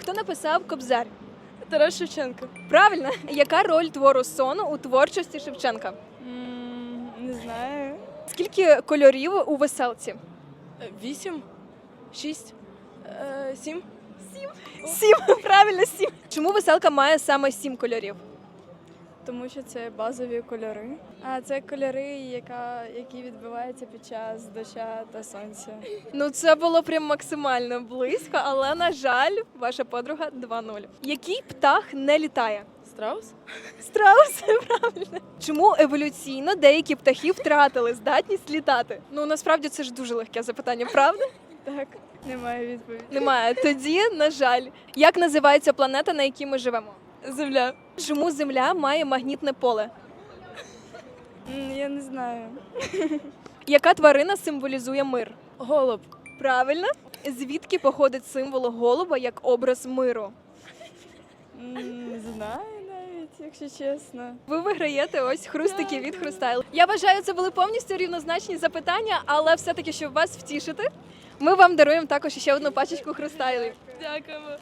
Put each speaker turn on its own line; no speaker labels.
Хто написав Кобзар?
Тарас Шевченко.
Правильно. Яка роль твору «Сон» у творчості Шевченка?
Не знаю.
Скільки кольорів у веселці?
8, 6, 7.
7. Правильно, 7. Чому веселка має саме 7 кольорів?
Тому що це базові кольори. А це кольори, які відбиваються під час дощу та сонця.
Ну, це було прям максимально близько, але, на жаль, ваша подруга 2-0. Який птах не літає?
Страус?
Страус, правильно. Чому еволюційно деякі птахи втратили здатність літати? Ну, насправді, це ж дуже легке запитання, правда?
Так, немає відповіді.
Немає. Тоді, на жаль. Як називається планета, на якій ми живемо?
Земля.
Чому Земля має магнітне поле?
Я не знаю.
Яка тварина символізує мир?
Голуб.
Правильно. Звідки походить символ голуба як образ миру?
Не знаю навіть, якщо чесно.
Ви виграєте ось хрустики від Хрустайл. Я вважаю, це були повністю рівнозначні запитання, але все-таки, щоб вас втішити, ми вам даруємо також ще одну пачечку Хрустайлів.
Дякуємо.